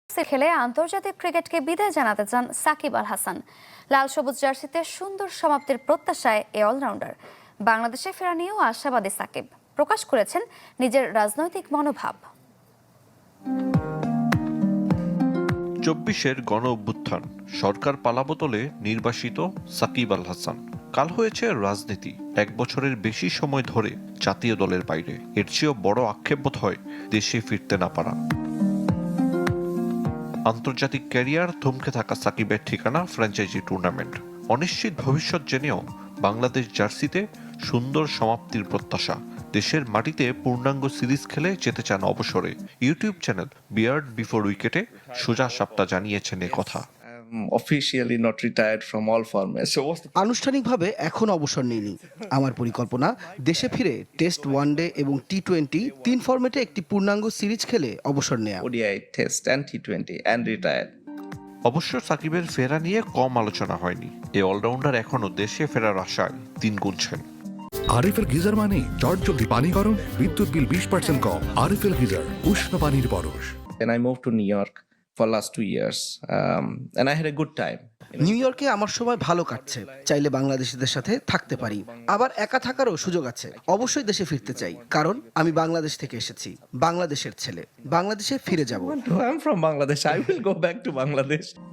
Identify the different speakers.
Speaker 1: খেলে আন্তর্জাতিক ক্রিকেটকে বিদায় জানাতে চান সাকিব আল হাসান। লাল সবুজ জার্সিতে সুন্দর সমাপ্তির প্রত্যাশায় এই অলরাউন্ডার। বাংলাদেশে ফেরা নিয়েও আশাবাদী সাকিব, প্রকাশ করেছেন নিজের রাজনৈতিক মনোভাব।
Speaker 2: ২৪-এর গণ অভ্যুত্থান, সরকার পালাবদলে নির্বাসিত সাকিব আল হাসান। কাল হয়েছে রাজনীতি, ১ বছরের বেশি সময় ধরে জাতীয় দলের বাইরে। এর চেয়েও বড় আক্ষেপ বোধ হয় দেশে ফিরতে না পারা। আন্তর্জাতিক ক্যারিয়ার থমকে থাকা সাকিবের ঠিকানা ফ্র্যাঞ্চাইজি টুর্নামেন্ট। অনিশ্চিত ভবিষ্যৎ জেনেও বাংলাদেশ জার্সিতে সুন্দর সমাপ্তির প্রত্যাশা। দেশের মাটিতে পূর্ণাঙ্গ সিরিজ খেলে যেতে চান অবসরে। ইউটিউব চ্যানেল বিয়ার্ড বিফোর উইকেটে সোজা সাপটা জানিয়েছেন এ কথা।
Speaker 3: Officially not retired from all formats. So what's the
Speaker 4: আনুষ্ঠানিকভাবে এখন অবসর নিইনি। আমার পরিকল্পনা দেশে ফিরে টেস্ট, ওয়ানডে এবং টি-20 তিন ফরম্যাটে একটি পূর্ণাঙ্গ সিরিজ খেলে অবসর নেয়া।
Speaker 3: ODI test and T20 and retire?
Speaker 2: অবশ্য সাকিবের ফেরা নিয়ে কম আলোচনা হয়নি। এই অলরাউন্ডার এখনো দেশে ফেরার আশায় দিন গুনছেন।
Speaker 5: আরএফএল গিজার মানে চটজলদি পানি গরম, বিদ্যুৎ বিল 20% কম। আরএফএল গিজার, উষ্ণ পানির পরশ।
Speaker 3: And I moved to New York for last 2 years, and I had a good time.
Speaker 4: নিউ ইয়র্কে আমার সময় ভালো কাটছে, চাইলে বাংলাদেশিদের সাথে থাকতে পারি, আবার একা থাকারও সুযোগ আছে। অবশ্যই দেশে ফিরতে চাই, কারণ আমি বাংলাদেশ থেকে এসেছি, বাংলাদেশের ছেলে, বাংলাদেশে ফিরে যাব।
Speaker 3: I'm from Bangladesh. I will go back to Bangladesh.